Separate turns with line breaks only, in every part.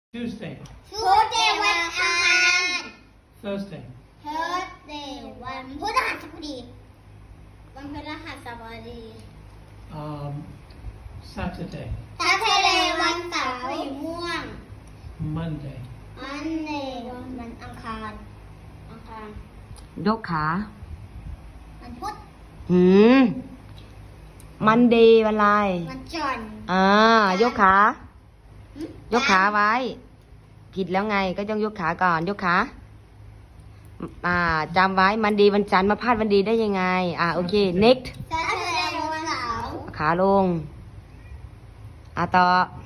Tuesday,
วันอังคาร
Thursday,
Thursday วันพฤหัสบดีวันพฤหัสบดี
Saturday,
Saturday วันเสาร์สีม่วง
Monday,
Monday วันอังคาร
ยกขา
วันพุธ
มันเดย์วันอะไร
วันจันทร์
ยกขา ยกขาไว้ ผิดแล้วไงก็ต้องยกขาก่อน ยกขาจำไว้มันดีวันจันทร์มาพลาดวันดีได้ยังไงโอเค next
Saturday วันเสาร์
ขาลงต่อ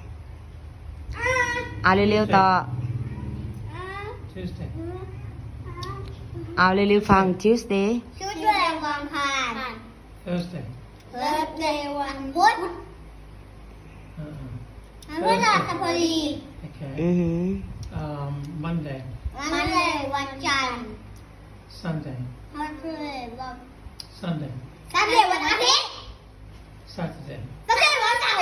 เร็วๆต่อ
Tuesday,
เร็วๆฟัง Tuesday
Tuesday วันอังคาร
Thursday,
Thursday วันพุธ วันพฤหัสบดี
okay,
อือหือ
Monday,
Monday วันจันทร์
Sunday,
Monday วัน
Sunday,
Sunday วันอาทิตย์
Saturday,
Sunday วันเสาร์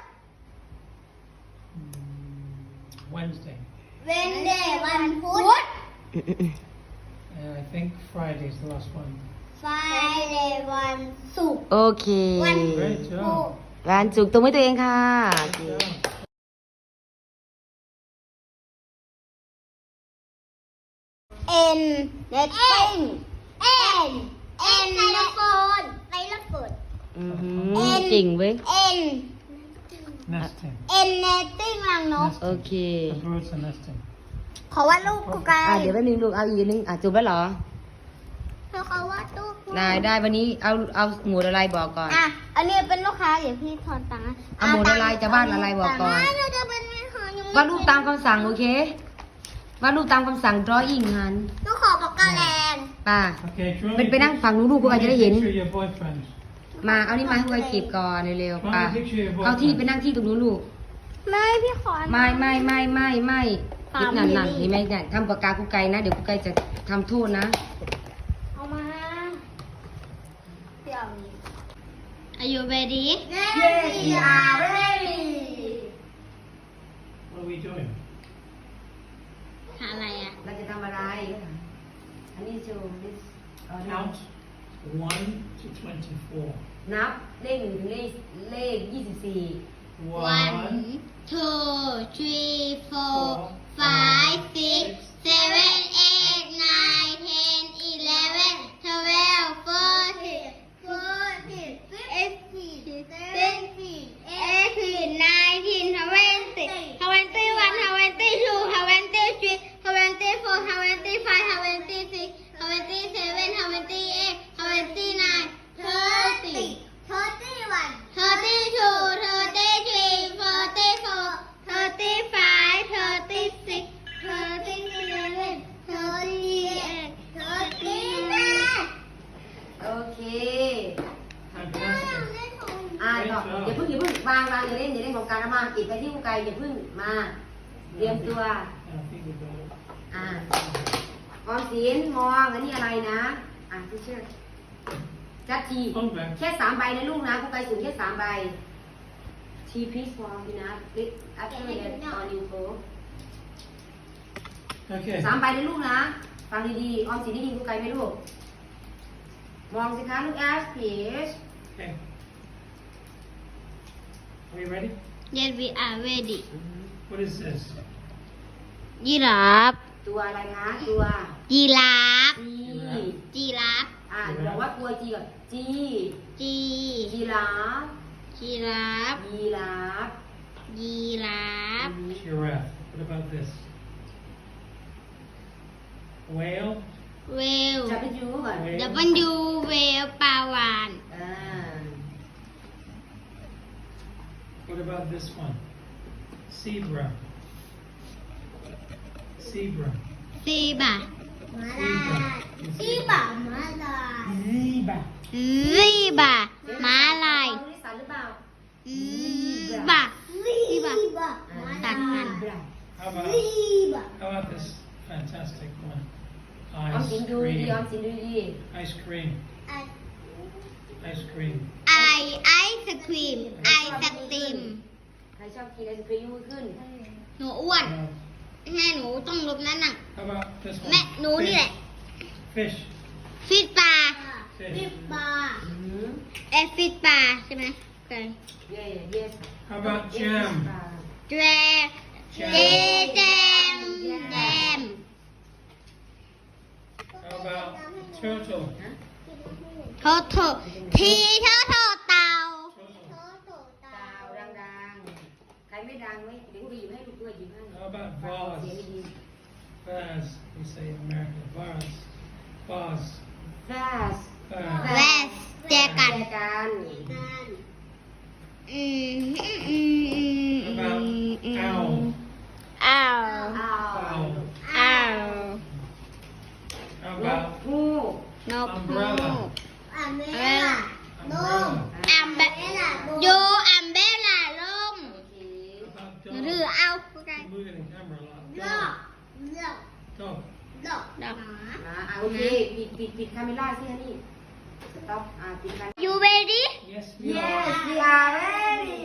Wednesday,
Wednesday วันพุธ
and I think Friday is the last one.
Friday วันศุกร์
โอเค
วัน
Great job.
วันจุกตัวไม่ตัวเองค่ะ
Good job.
N netting N N ไซโลโฟน
อือหือจริงเว้ย
N
Nesting.
N netting รังนก
โอเค
The birds are nesting.
ขอวาดรูปกูไกล
เดี๋ยวแป๊บนึงลูกเอาอีกนึงจุบแล้วเหรอ
เขาวาดรูป
ได้วันนี้เอาหมวดอะไรบอกก่อน
อันนี้เป็นลูกค้าเดี๋ยวพี่ถอนตังค์
เอาหมวดอะไรจะวาดอะไรบอกก่อน
เราจะเป็นไม่หายัง
วาดรูปตามคำสั่งโอเควาดรูปตามคำสั่ง drawing หัน
ลูกขอปากกาแดง
ป่า
Okay, draw
เป็น
me
ไปนั่งฝั่งนู้นลูกกูอาจจะได้เห็น
picture of your boyfriend.
มาเอานี่มาให้กูเก็บก่อนเร็ว
Draw
ๆป่า
me a picture of your
เอาที่
boyfriend.
ไปนั่งที่ตรงนู้นลูก
ไม่พี่ขอ
ไม่คิดนั่นเห็นไหมเนี่ยทำปากกากูไกลนะเดี๋ยวกูไกลจะทำโทษนะ
เอามาเดี๋ยว Are you ready?
Yes, we are ready.
What are we doing?
หาอะไรอ่ะ
เราจะทำอะไรอันนี้โชว์ this
Count 1 to 24.
นับเลข1ถึงเลข 24
1,
2, 3, 4, 5, 6, 7, 8, 9, 10, 11, 12, 14, 15, 16, 17, 18, 19, 20, 21, 22, 23, 24, 25, 26, 27, 28, 29, 30, 31, 32, 33, 34, 35, 36, 37, 38, 39.
โอเค
fantastic.
ต่ออย่าเพิ่งวางอย่าเล่นของการมาอีกไปที่กูไกลอย่าเพิ่งมาเตรียมตัว
I think we got it.
ออมสินมองอันนี้อะไรนะที่เชื่อจัดที
Okay.
แค่3 ใบนะลูกนะกูไกลสูงแค่3 ใบทีพีซฟอร์มนะลิฟอัพเตอร์เดนออนยูโฟ
Okay.
3 ใบนะลูกนะฟังดีๆออมสินได้ยินกูไกลไหมลูกมองสิคะลูกแอสพีช
Okay. Are we ready?
Yes, we are ready.
What is this?
ยีราฟ
ตัวอะไรคะตัว
ยีราฟ
จี
ยีราฟ
บอกว่าตัวจีก่อนจี
จี
จีราฟ
ยีราฟ
ยีราฟ
ยีราฟ
Giraffe. What about this? Whale.
เวล
จะไปดูก่อน
Whale.
ดับเบิลยูเวลปลาวาน
What about this one? Zebra. Zebra.
ซีบะ
ซีบะ
มาลาย
Zebra.
ซีบะมาลาย
นิสันหรือเปล่า
บะซีบะตัดมัน
How about, how about this fantastic one?
ออม
Ice
สินดูดี
cream.
ออมสินดูดี
Ice cream. Ice cream.
ไอศครีมไอศครีม
ใครชอบกินไอศครีมยกมือขึ้น
หนูอ้วน
Now,
แม่หนูต้องลบนั่นน่ะ
How about this one?
แม่หนูนี่แหละ
Fish.
ฟิตปลา
Fish.
ปลา
อืม
ฟิตปลาใช่ไหมโอเค
yes
How about jam?
แจแจมแจม
How about turtle?
โทโททีเท่าโทเต่า
Turtle.
ดาวดังๆใครไม่ดังไม่เดี๋ยวกูหยิบให้ลูกด้วยหยิบให้
How about
เสียง
vase?
ดี
Vase. We say in America. Vase. Vase.
fast
Vase.
แวสแจกัน
แจกัน
How about owl?
อ้าว
อ้าว
Owl.
อ้าว
How
นก
about
ฮูก
นก
umbrella?
อัมเบล่า
Umbrella.
อัมเบโยอัมเบล่าลม
โอเค
How about
หรือ
dog?
เอา
You're moving the camera a lot.
ลอก
Dog. Dog.
ดอก
โอเคปิดคาเมล่าสิฮะนี่สต็อปปิดคาเมล่า
You ready?
Yes, we
yes
are.
we are ready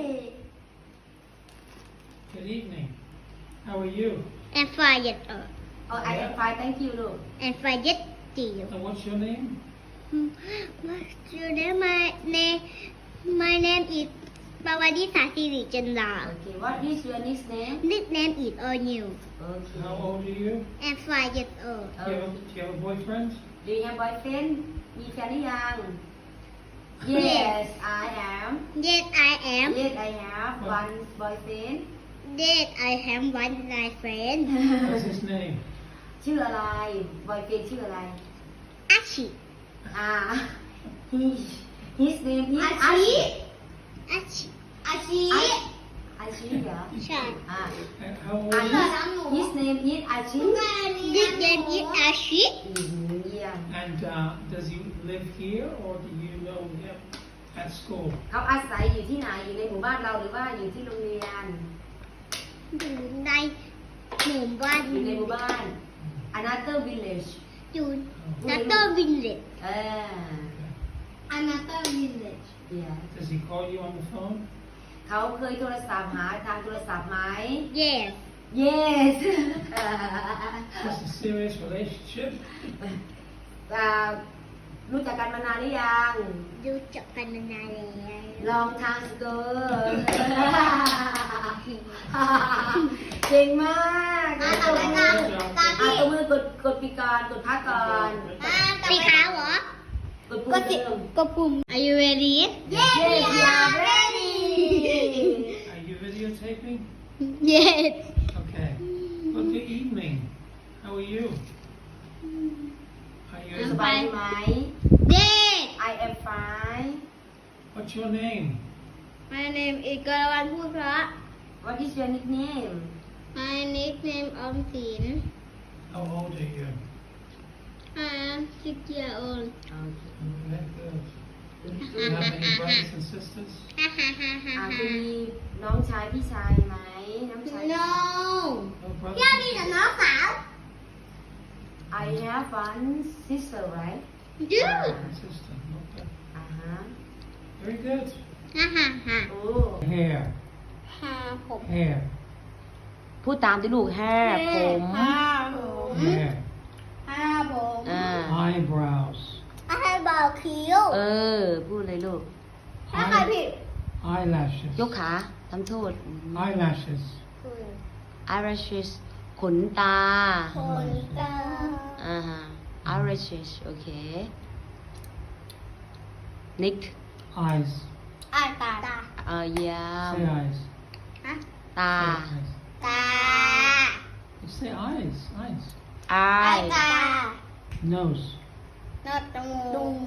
Good evening. How are you?
And fire
oh I am fine thank you ลูก
and fire deal.
And what's your name?
What's your name? My name is Pawadisa Siri Chandra.
okay what is your nickname
Nickname is Onyu
okay
How old are you?
and 5 years old.
Do you have a boyfriend?
do you have boyfriend มีแฟนหรือยัง yes I am
Yes, I am.
yes I have one boyfriend
Yes, I have one nice friend.
What's his name?
ชื่ออะไร boyfriend ชื่ออะไร
Ashi.
he his name is
Ashi.
Ashi
Ashi.
Ashi Ashi เหรอ
ใช่
How old are you?
his name is Ashi
Nickname is Ashi.
เยี่ยม
And does he live here or do you know him at school?
เขาอาศัยอยู่ที่ไหนอยู่ในหมู่บ้านเราหรือว่าอยู่ที่โรงเรียน
อยู่ในหมู่บ้าน
อยู่ในหมู่บ้าน another village
อยู่นัตเตอร์วินเลจ Another village.
yeah
Does he call you on the phone?
เขาเคยโทรศัพท์หาทางโทรศัพท์ไหม
Yes.
yes
It's a serious relationship.
รู้จักกันมานานหรือยัง
รู้จักกันมานานแล้ว
ลองทางสเกอร์เก่งมากตัวมือกดปีกอนกดพักก่อน
สีขาวเหรอ
กดปุ่
ก็
ม
สิ
เดิม
ก็ปุ่ม Are you ready?
yes we are ready
Are you videotaping?
Yes.
Okay. Well, good evening. How are you? Are
ส
you?
บายดีไหม
Yes.
I am fine
What's your name?
My name is กรวันพูดเพราะ
what is your nickname
My nickname ออมสิน
How old are you?
I'm 6 years old.
Very good. Do you have any brothers and sisters?
ฮ่าฮ่าฮ่าฮ่า
จะ
ฮ่า
มีน้องชายพี่ชายไหมน้องชาย
No.
No brothers?
พี่มีแต่น้องสาว
I have one sister right
You.
And sister. Okay.
ฮะ
Very good.
ฮ่าฮ่าฮ่า
โอ้
Hair.
ฮ่าผม
Hair.
พูดตามที่ลูกแห่ผม
ฮ่าผม
Hair.
ฮ่าผม
Eyebrows.
ให้เบาคิ้ว
พูดเลยลูก
ถ้าใครผิด
Eyelashes.
ยกขาทำโทษ
Eyelashes.
eyelashes ขนตา
คนตา
eyelashes โอเค neck
Eyes.
อ่านตา
ยาว
Say eyes.
ฮะ
ตา
Say eyes.
ตา
You say eyes. Eyes.
eye
ตา
Nose.
นอดจมูก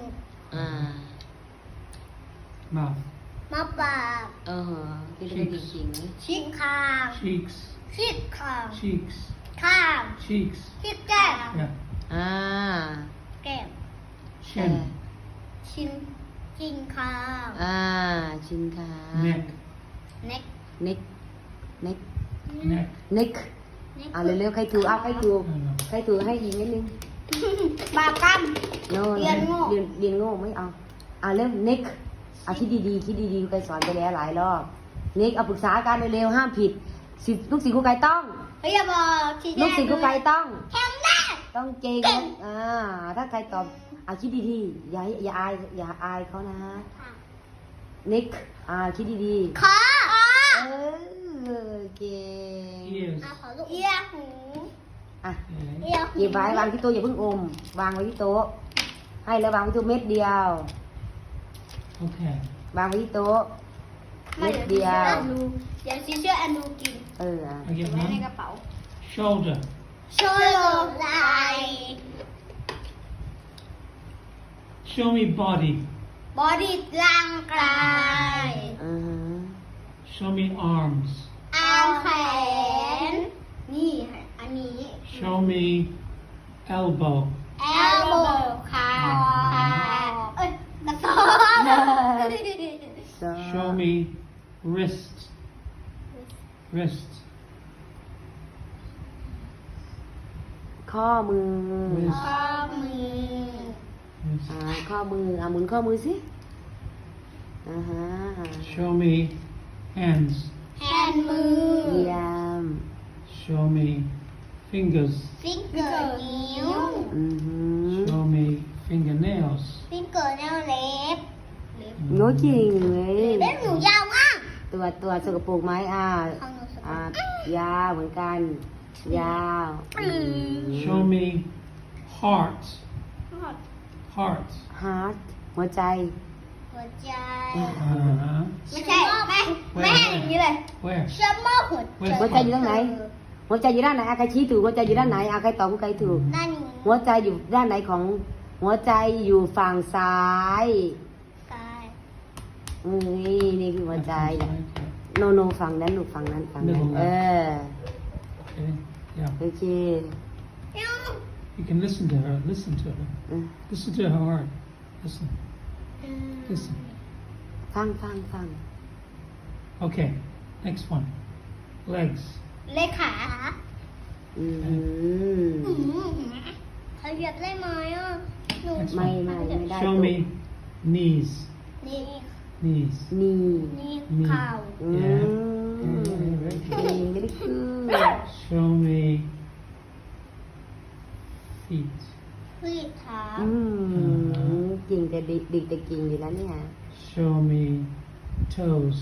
Mouth.
มะปาก
ที่เรียกจริง
ชิดคาง
Cheeks.
ชิดคาง
Cheeks.
ข้าง
Cheeks.
ชิดแก้ม
Yeah.
แก้ม
Chin.
ชินจินคาง
ชินขา
Neck.
เน็ก
neck neck
Neck.
neck เร็วๆใครถูกใครถูก
No, no.
ใครถูกให้ยิงนิดนึง
บากัม
โน่
เรียนโง่
เรียนโง่ไม่เอาเริ่ม neck คิดดีๆคิดดีๆครูไก่สอนไปแล้วหลายรอบ neck ปรึกษากันเร็วๆห้ามผิดลูกศิษย์ครูไก่ต้อง
เฮ้ยอย่าบอกที่
ลูกศิษย์ครูไก่ต้อง
แข็งแรง
ต้องเก่งถ้าใครตอบคิดดีๆอย่าอายเขานะนิกคิดดี
คอ
ๆเก่ง
Ears.
ขอลูกเอียหู
อ่ะ
Okay.
เอียหู
หยิบไว้วางที่โต๊ะอย่าเพิ่งอมวางไว้ที่โต๊ะให้แล้ววางไว้ที่โต๊ะเม็ดเดียว
Okay.
วางไว้ที่โต๊ะเม็ดเดียว
เดี๋ยวซีเชื่อแอนดูกิน
อ่ะ
I get
ไว้ใน
one.
กระเป๋า
Shoulder.
โชว์ไหล่
Show me body.
บอดี้ร่างกาย
อือฮึ
Show me arms.
อาร์มแขนนี่อันนี้
Show me elbow.
แอลโบขาเอ้ยกระสอบ
Show me wrist. Wrist.
ข้อมือ
Wrist.
ข้อมือ
Wrist.
ข้อมือหมุนข้อมือสิฮะ
Show me hands.
แฮนด์มือ
เยี่ยม
Show me fingers.
ฟิงเกอร์นิ้ว
อือหือ
Show me fingernails.
ฟิงเกอร์นิ้วเล็บ
โน้จริงเลย
เล็บหนูยาวมาก
ตัวสกปรกไหม
ของหนูสกปรก
ยาวเหมือนกัน ยาว
Show me heart. Heart.
ฮาร์ดหัวใจ
หัวใจ
Uh-huh.
ไม่ใช่ไม่ให้อย่างนี้เลย
Where?
เชื่อมอหัวใจ
หัวใจอยู่ตรงไหน หัวใจอยู่ด้านไหนใครชี้ถูกหัวใจอยู่ด้านไหนใครตอบใครถูก
ด้านนี้
หัวใจอยู่ด้านไหนของหัวใจอยู่ฝั่งซ้าย
กาย
นี่คือหัวใจนะ
Okay.
โนฝั่งนั้นลูกฝั่งนั้น
Middle left.
เออ
Okay. Yeah.
โอเค
You can listen to her. Listen to her.
อืม
Listen to her heart. Listen. Listen.
ฟัง
Okay. Next one. Legs.
เลขา
อืม
เขาเหยียบได้ไหมอ่ะหนู
ไม่ได้
Show
ลูก
me knees.
นี่
Knees.
นี่
นี่เข่า
อืม
Yeah.
ไม่ได้คือ
Show me feet.
พืชเท้า
จริงแต่เด็กแต่เก่งอยู่แล้วเนี่ย
Show me toes.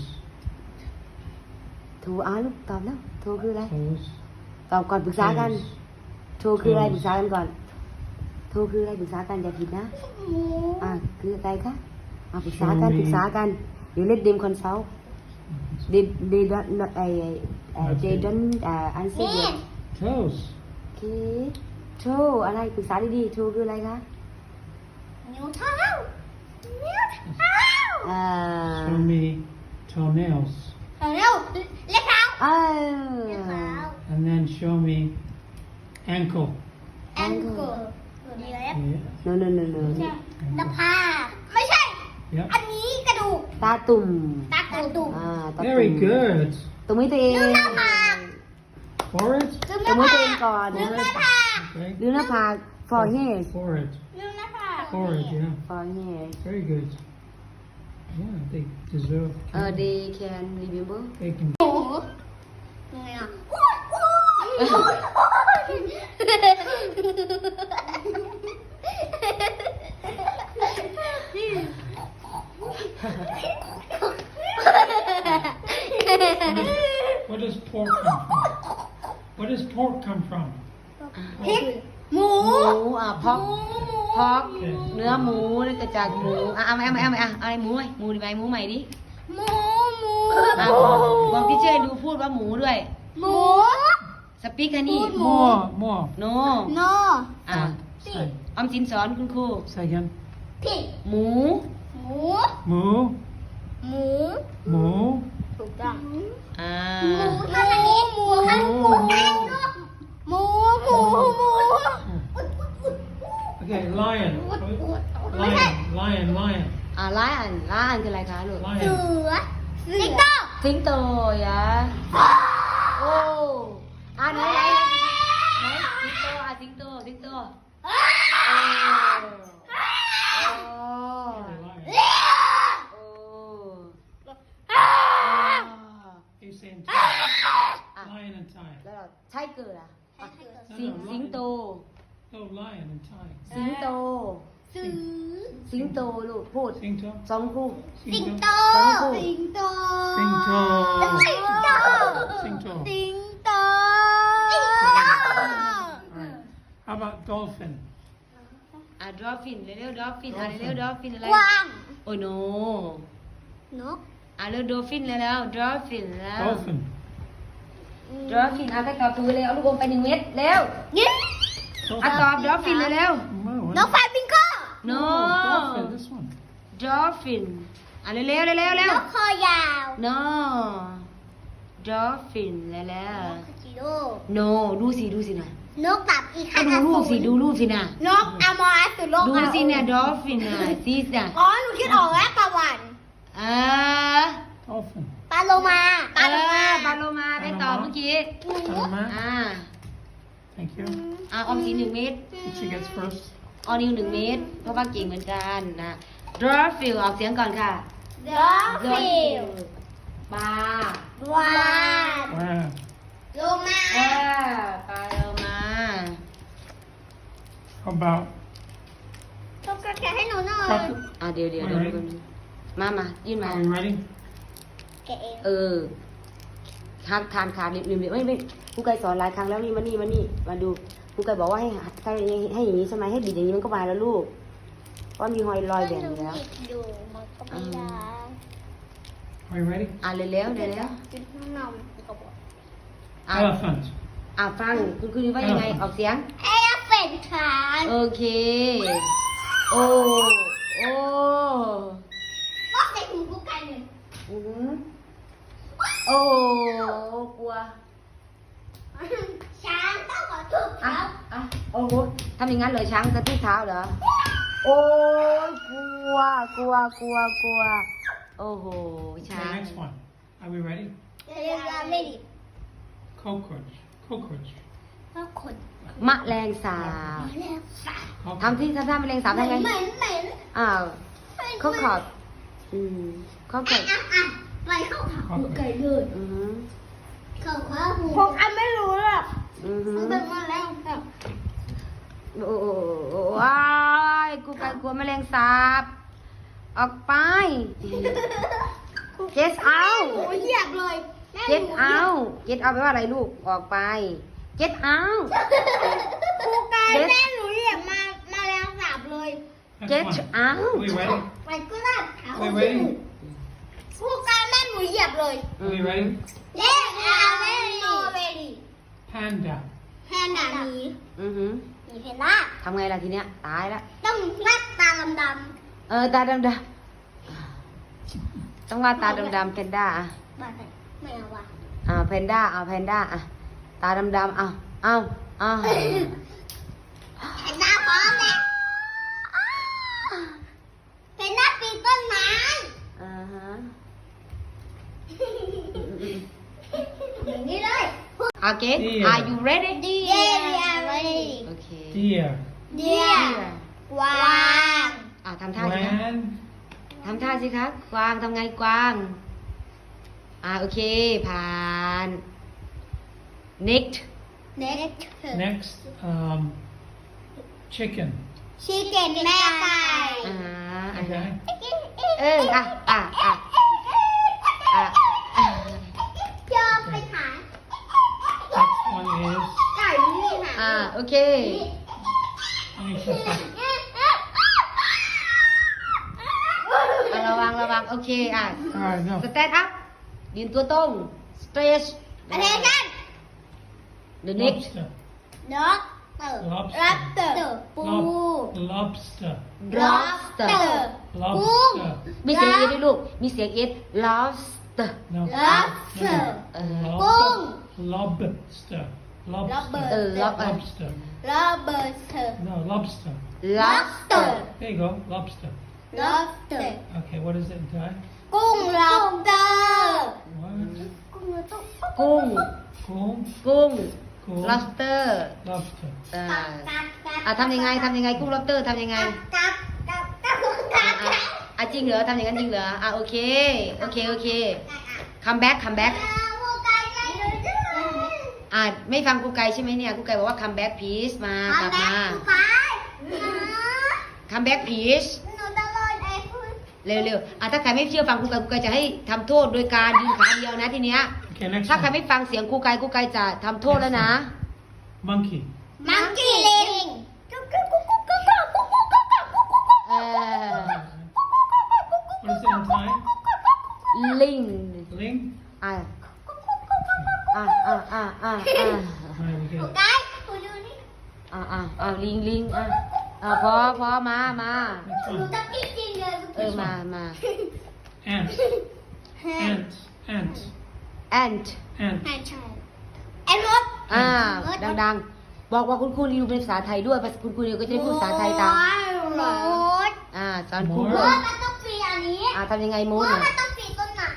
โทรลูกตอบแล้วโทรคืออะไร
Toes.
ตอบก่อนปรึกษากัน
Toes.
โทรคืออะไรปรึกษากันก่อน โทรคืออะไรปรึกษากันอย่าผิดนะ
หมู
คืออะไรคะปรึกษากันเดี๋ยวเล่นเดมคอนซัลท์they don't answer
นี่
yet
Toes.
โอเคโทรอะไรปรึกษาดีๆโทรคืออะไรคะ
นิ้วเท้านิ้วเท้า
Show me toenails.
เร็วเล็บเท้า
เอ
เล็บเท้า
And then show me ankle.
แองเกิลเล็บ
Yeah.
no
หน้าผากไม่ใช่
Yep.
อันนี้กระดูก
ตาตุ่ม
ตากระดูก
ตาตุ่ม
Very good.
ตรงนี้ตัวเอง
ลืมหน้าผาก
Forehead.
ลืมห
ตร
น้าง
นี้
ผา
ตัวเอง
ก
ก่อน
ลืมหน้าผาก
Okay.
ลืมหน้าผาก forehead
Forehead.
ลืมหน้าผาก
Forehead. Yeah.
forehead
Very good. Yeah, they deserve.
they can remember
They can.
หมูไงอ่ะโอ้ยโอ้ย
Where does pork come from? Where does pork come from?
พริกหมู
พอกเนื้อหมูนี่ก็จากหมูเอาอะไรหมูหมูดีไหมหมูใหม่ดิ
หมูหมู
บอกที่เชื่อดูพูดว่าหมูด้วย
หมู
สปีกอันนี้
More, more.
โน
โน
Say,
ออมสินสอนคุณครู
say again.
พริก
หมู
หมู
Moo,
หมู
moo.
ถูกต้อง
อ่า
หมูทำอันนี้หมูทำหมูหมูหมูหมู
Okay, lion. Lion, lion, lion.
ร้ายอันคืออะไรคะลูก
เสื
Lion.
อสิงโต
สิงโตยะโอ้ไหนสิงโตสิงโต
Lion. He's saying tiger. Lion and tiger.
แล้วใช่เกิ tiger ล่ะ
Tiger
สิงโต
No, lion in Thai.
สิงโต
ซื้อ
สิงโตลูกพูด
Singto.
สองคู่
สิงโต สิงโต
Singto.
สิงโต
Singto.
สิงโต
Right. How about dolphin?
อ่ะ dolphin เร็วๆ dolphin อ่ะเร็วๆ dolphin อะไร
กวาง
โอ้โน
นก
อ่ะเร็ว dolphin แล้ว dolphin แล้ว
Dolphin.
dolphin อ่ะใครตอบถูกเลยเอาลูกอมไป1 เม็ดเร็ว
นี่
อ่ะตอบ dolphin เร็ว
No,
นกฟลามิงโก
ๆ no
dolphin. This one.
dolphin อ่ะเร็วๆเร็วๆเร็
น
ว
กคอยาว
no dolphin แล้ว
นกคาจิโร่
no ดูสินะ
นกตับอี
ก็
คา
ดูรูปสิดูรูปสินะ
นกอมอรัสสุโลก
ดูสิเนี่ย dolphin น่ะซีสน่ะ
อ๋อหนูคิดออกแล้วปลาหวาน
Dolphin.
ปลาโลมา
ปลาโลมาได้ตอบเมื่อกี้
Panama.
อ่า
Thank you.
ออมสิน1 เม็ด
She gets first.
ออนิว1 เม็ดเพราะว่าเก่งเหมือนกันนะ dolphin ออกเสียงก่อนค่ะ
ดอลฟิน
ปลา
วาน
Wow.
โลมา
ปลาโลมา
How about
ต้องกระแกะให้หนูหน่อย
crocodile?
เดี๋ยวมายื่นมา
Are we ready?
แกะเอง
ทานขาดริมไม่ครูไก่สอนหลายครั้งแล้วนี่มาดูครูไก่บอกว่าถ้าให้อย่างนี้ใช่ไหมให้บิดอย่างนี้มันก็มาแล้วลูกเพราะมีหอยลอยแบ่งอยู่แล้ว
อยู่มันก็ไม่ได้
Are you ready?
เร็ว
จุดน้ำนมก็บอก
Elephant.
ฟังคุณคือว่ายังไงออกเสียง
เอลเป็นทาน
โอเค โอ้
ก็ใส่หูกูไก่หนึ่ง
อื้อหือโอ้กลัว
ช้างต้องขอทุบเท้า
โอ้โหทำอย่างนั้นเลยช้างกระทืบเท้าเหรอ โอ้ยกลัว โอ้โห ช้าง
Okay, next one. Are we ready?
เรียกไม่ดี
Cockroach. Cockroach.
ก็ขน
มะแรงสาบ
เรียกสา
ทำที่ทำท่าแมลงสาบ
เหม็
ทำไง
นเหม็นเหม็น
อ้าวเขาขอบเขาขอบ
ไปเข้าขาหู
Cockroach.
ไก่เลย
อือหือ
เข้าขาหูพวกอันไม่รู้หรอก
อือหือ
มันเป็นแมลงสาบ
โอ้ว้ายกูไก่กลัวแมลงสาบ ออกไป get
ห
out
นูเหยียบเลยแม่
get out get out แปลว่าอะไรลูก ออกไป get out
ครูกายแม่หนูเหยียบมาแมลงสาบเลย
Next
get
one.
out
Are we ready?
ไปก็ลาดเท้า
Are we ready?
ครูกายแม่หนูเหยียบเลย
Are we ready?
เล่นอาเวรีโนเวรี
Panda.
แพนด้าหมี
อือหือ
หมีเพนด้า
ทำไงล่ะทีเนี้ย ตายละ
ต้องวาดตาดำ
ตาดำต้องว่าตาดำๆเพนด้า
ๆบ้าแต่ไม่เอาว่ะ
เพนด้าแพนด้าตาดำๆเอา
แพนด้าพร้อมแล้วแพนด้าปีนต้นไม้
อ่าฮะ
อย่างนี้เลย
Okay
Deer.
are you ready
เดียร์เลย
โอเค
Deer.
เดียร์กวาง
ทำท่าสิคะ
Swan.
ทำท่าสิคะกวางทำไงกวาง โอเค ผ่าน next
next
Next, chicken.
ชิคเก้นแม่ไก่
Okay.
ยอมไปขาย
Next one is
ไก่นี่ค่ะ
โอเค ระวัง โอเค
Alright, no.
stand up ยืนตัวตรง stretch
attention
the next
Lobster.
ด็อกเตอร์
Lobster.
รับเตอร์ปู
Lobster.
lobster
กุ้ง
Lobster.
มีเสียงเอด้วยลูก มีเสียงเอ lobster
No.
Lobster.
No.
กุ้ง
Lobster.
Lobster.
Lobster.
ระเบิดเถอะ
No, lobster.
lobster
There you go, lobster.
lobster
Okay, what is it in Thai?
กุ้ง lobster
What?
กุ้งเราต้อง
กุ้ง
Cool.
กุ้ง
Cool.
lobster
Lobster.
ทำยังไงกุ้ง lobster ทำยังไง
กับ
จริงเหรอทำอย่างนั้นจริงเหรอโอเค come back ไม่ฟังครูไก่ใช่ไหมเนี่ยครูไก่บอกว่า come back please มากลับมา come back please
หนูตลอดไอ้พูด
เร็วๆถ้าใครไม่เชื่อฟังครูไก่จะให้ทำโทษโดยการยืนขาเดียวนะทีเนี้ย
Okay, next
ถ้าใคร
one.
ไม่ฟังเสียงครูไก่จะทำโทษแล้วนะ
Monkey.
มังกี้ลิง
เออ
What is it in Thai?
ลิง
Ling?
อ่ะ
Right, we get it.
ไก่คุณดูนี่
ลิงพอมา
Next
หนู
one.
จะกินจริงเลย
มา
Ant. Ant. Ant.
ant
Ant.
ใช่ใช่ไอ้มด
ดังๆ บอกว่าคุณครูรีวิวเป็นภาษาไทยด้วยคุณครูรีวิวก็จะได้พูดภาษาไทยตาม
มด
สอนครู
มด
ม
ด้วย
ดมันต้องปีอันนี้
ทำยังไงม
ม
ด
ด
อ่ะ
มันต้องปีต้นไหน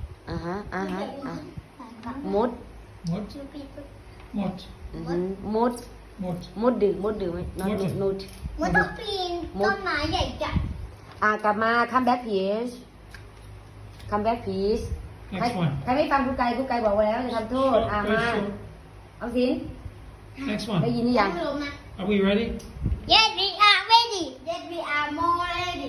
มด
What?
ชื่อปีต้น
What?
มด
What?
มดดื่มไหม not
มด
not
มันต้องปีนต้นไม้ใหญ่จัด
กลับมา come back please come back please
Next one.
ใครไม่ฟังครูไก่บอกไว้แล้วจะทำโทษ
Short,
มา
very short.
เอาสิน
Next
ได้
one.
ยินหรือยัง
ลงนะ
Are we ready?
Yes we are ready Yes we are more ready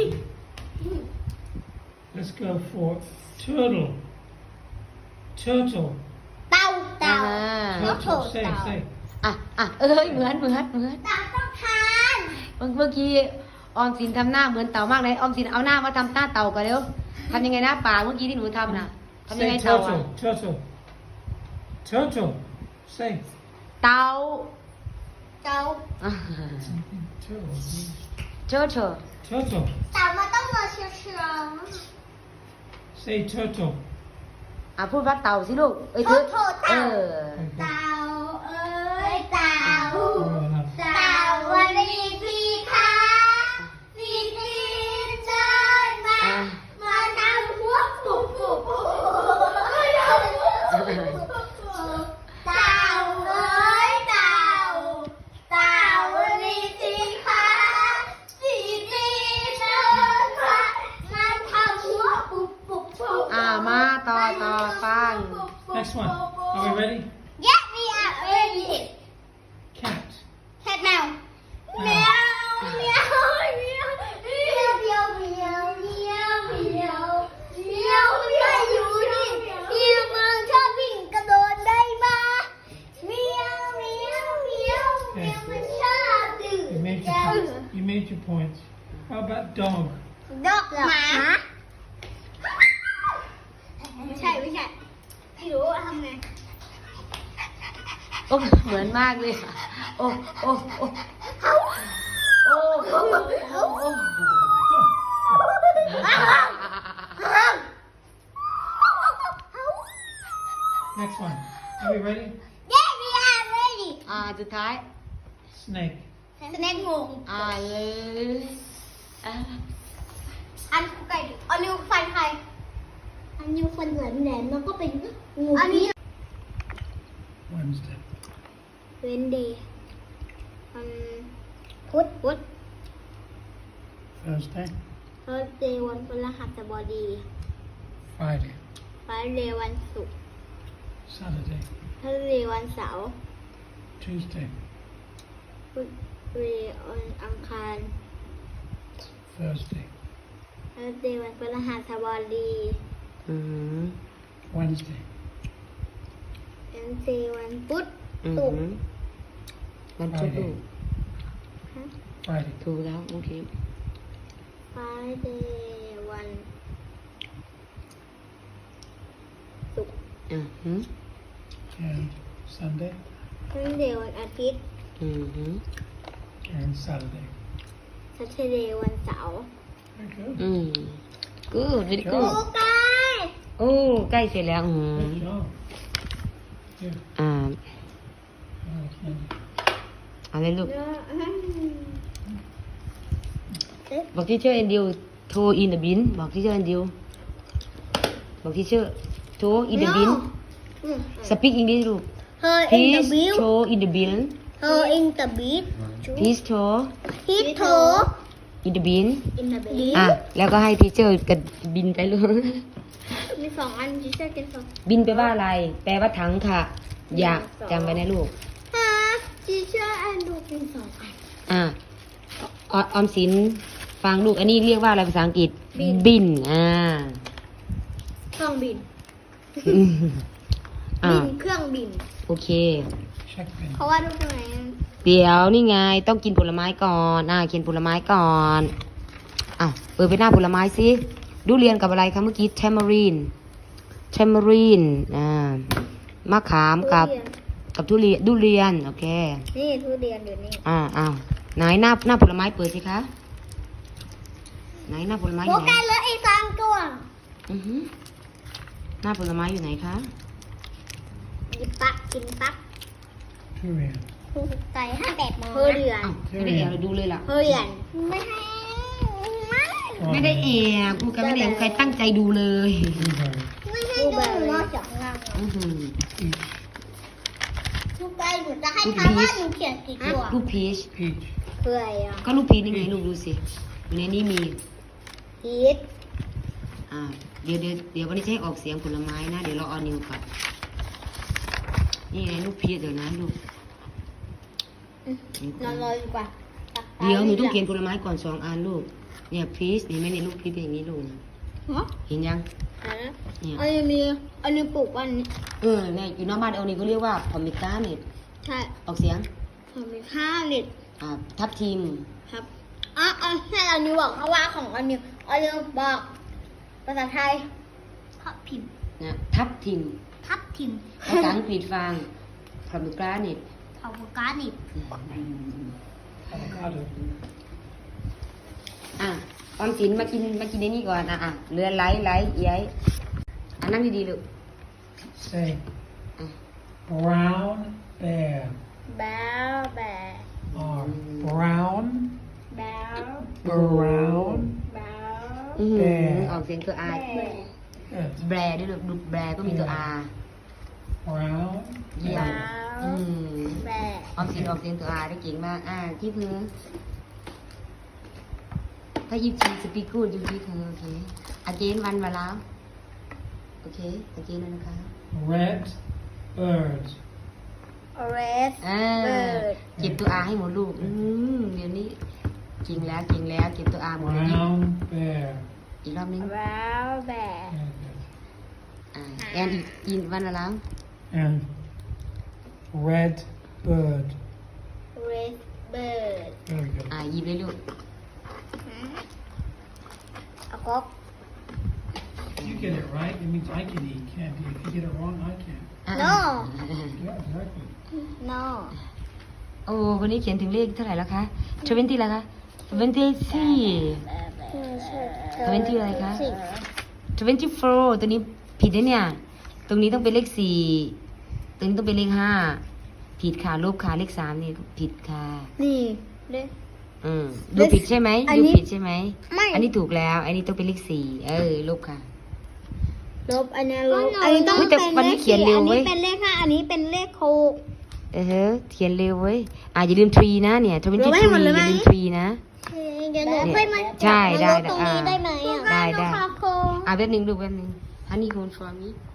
Let's go for turtle. Turtle.
เต่าเต่า
Turtle. Say, say.
เหมือน
เต่าต้องทาน
เมื่อกี้ออมสินทำหน้าเหมือนเต่ามากเลยออมสินเอาหน้ามาทำหน้าเต่ากันเร็วทำยังไงนะป่าเมื่อกี้ที่หนูทำน่ะทำยังไง
Say
เต่าอ่ะ
turtle. Turtle. Turtle. Say.
เต่า
เต่า
Turtle.
เชอ
Turtle.
เต่ามันต้องมาเชียว
Say turtle.
พูดว่าเต่าสิลูกเอ้ย
โทษเต่า
Okay.
เต่าเอ้ยเต่า
Oh, enough.
เต่าวันนี้พี่คะพี่ตีนเชิญมาทำหัวปุบปุบปุบเต่าเอ้ยเต่าเต่าวันนี้พี่คะพี่ตีนเชิญมาทำหัวปุบปุบปุบ
มาต่อฟัง
Next one. Are we ready?
Yes, we are ready.
Cat.
Cat meow. Meow, meow, meow, meow, meow, meow, meow, meow. Meow ไม่อยู่นี่ที่มึงชอบวิ่งกระโดดได้มาเมียวเมียวเมียวเมียวมันชอบดื่ม
You made your point. How about dog?
ดอกหมาไม่ใช่ไม่รู้ว่าทำไง
เหมือนมากเลยโอ้
Next one. Are we ready?
Yes, we are ready.
สุดท้าย
Snake.
สแน็คงง
เลย
อันไก่อันนิ้วฟันใครอันนิ้วฟันแหลมๆมันก็เป็นงูอันนี้
Wednesday.
เวนเดย์พุธ
Thursday.
เทิร์สเดย์วันพฤหัสบดี
Friday.
ฟรายเดย์วันศุกร์
Saturday.
เทิร์สเดย์วันเสาร์
Tuesday.
พุธเดย์วันอังคาร
Thursday.
เทิร์สเดย์วันพฤหัสบดี
Wednesday.
เวนเดย์วันพุธ
ศุกร์วันพุธลูก
Friday.
ถูกแล้วโอเค
ฟรายเดย์วันศุกร์
And Sunday.
เทิร์สเดย์วันอาทิตย์
And Saturday.
ซัตเทอร์เดย์วันเสาร์
Very good.
good very
โอ้
good
ไก่
ใกล้เสร็จแล้ว
Good job. Good.
อะไรลูกบอกที่เชื่อแอนดิวโทรอินเดอะบินบอกที่เชื่อแอนดิวบอกที่เชื่อโทรอินเดอะบินสปีกอังกฤษลูก
Her in the
please
bill.
show in the bill
Her in the beat.
please show
Hit her
in the bin
in the beat.
แล้วก็ให้ทีเชอร์กับบินไปเลย
มี2 อันที่ใช้กันสอง
บินไปว่าอะไร แปลว่าถังค่ะอย่าจำไว้นะลูก
ฮะทีเชอร์แอนดูเป็น2 อัน
ออมสินฟังลูกอันนี้เรียกว่าอะไรภาษาอังกฤษ
บิน
บิน
เครื่องบิน
อ่า
บินเครื่องบิน
โอเค
Check bin.
เพราะว่าทุกคน
เดี๋ยวนี่ไงต้องกินผลไม้ก่อนกินผลไม้ก่อนเปิดไปหน้าผลไม้สิดูเรียนกับอะไรคะเมื่อกี้ tamarind มะขามกับทุเรียนดูเรียนโอเค
นี่ทุเรียนอยู่นี่
ไหนหน้าผลไม้เปิดสิคะไหนหน้าผลไม้อ
โฟ
ยู่ไหน
กัสเหลืออีก3 ตัว
อือหือหน้าผลไม้อยู่ไหนคะ
หยิบปักกินปัก
Durian.
ใส่58 โมงทุเรียน
ไม่ได้แอบเราดูเลยล่ะ
ทุเรียนไม่ให้
ไม่ได้แอบกูกันไม่ได้แอบใครตั้งใจดูเลย
Blueberry.
ไม่ให้ดูนอกจากงาน
อื้อหือ
ทุกใจหนูจะให้ทายว่าหนูเขียนกี่ตัว
ลูกพีช
Peach.
เพื่ออะไรอ่ะ
ก็ลูกพีชนี่ไงลูกดูสิอยู่ในนี้มี
พีช
เดี๋ยววันนี้จะให้ออกเสียงผลไม้นะ เดี๋ยวเราเอานิ้วก่อนนี่ไงลูกพีชเดี๋ยวนะลูก
นอนรอดีกว่า
เดี๋ยวหนูต้องเขียนผลไม้ก่อน2 อันลูกเนี่ยพีชเห็นไหมเนี่ยลูกพีชเป็นอย่างนี้ลูกนะ
ฮะ
เห็นยัง
อันนี้ปลูกวันนี้
เนี่ยอยู่หน้าบ้านเอานี่ก็เรียกว่าพอมิก้าเนี่ย
ใช่
ออกเสียง
ผมมีข้าวเน็ต
ทับทิม
ครับให้อันนี้บอกเพราะว่าของอันนี้บอกภาษาไทยทับทิม
นะทับทิม
ทับทิม
ภาษาอังกฤษฟังพอมิก้าเนี่ย
เอาโฟกัสนี่
Avocado.
ออมสินมากินในนี่ก่อนเรือไหลเอี้ยนั่งดีๆลูก
Say brown bear.
แบลแบ
Or brown
แบล
brown
แบล
ออกเสียงตัว R
Good.
แบรด้วยลูกดูแบรก็มีตัว R
Brown
เยี่ยม
แบ
ออมสินออกเสียงตัว R ได้เก่งมากที่พื้นถ้ายิบชีสปีกูดอยู่ที่เธอโอเคอาเจนวันมาแล้วโอเคอาเจนแล้วนะคะ
red bird.
เรส
เก็บตัว R ให้หมดลูกเดี๋ยวนี้เก่งแล้วเก็บตัว R หมดเลยนี่
Brown bear.
อีกรอบนึง
แบลแบ
Yeah, good.
แอนอีกวันมาแล้ว
And red bird.
เรสเบิร์ด
Very good.
หยิบเลยลูก
เอาก๊อก
If you get it right, it means I can eat candy. If you get it wrong, I can't.
no
Yeah, exactly.
no
โอ้วันนี้เขียนถึงเลขเท่าไหร่แล้วคะ20แล้วคะ24 20อะไรคะ 24ตัวนี้ผิดนะเนี่ยตรงนี้ต้องเป็นเลข4ตรงนี้ต้องเป็นเลข5ผิดค่ะลบค่ะเลข3นี่ผิดค่ะ
นี่เลข
ดูผิดใช่ไหม
อัน
ดู
นี้
ผิดใช่ไหม
ไม่
อันนี้ถูกแล้ว อันนี้ต้องเป็นเลข4ลบค่ะ
ลบอันนี้ลบอันนี้ต้อง
แต่
เป็น
วัน
เล
นี้
ข
เขียน
4
เร็ว
อัน
เว้
นี้
ย
เป็นเลข5อันนี้เป็นเลข6
เขียนเร็วเว้ยอย่าลืม3นะเนี่ย23
ลบให้หมดเลยไหม
อย่าลืม3นะ
เดี๋ยวหนูให้มัน
ใช่ได้
ลบตรงนี้ได้ไหม
ได้
แป๊บนึง
แป๊บนึงดูแป๊บนึง Honey hold for me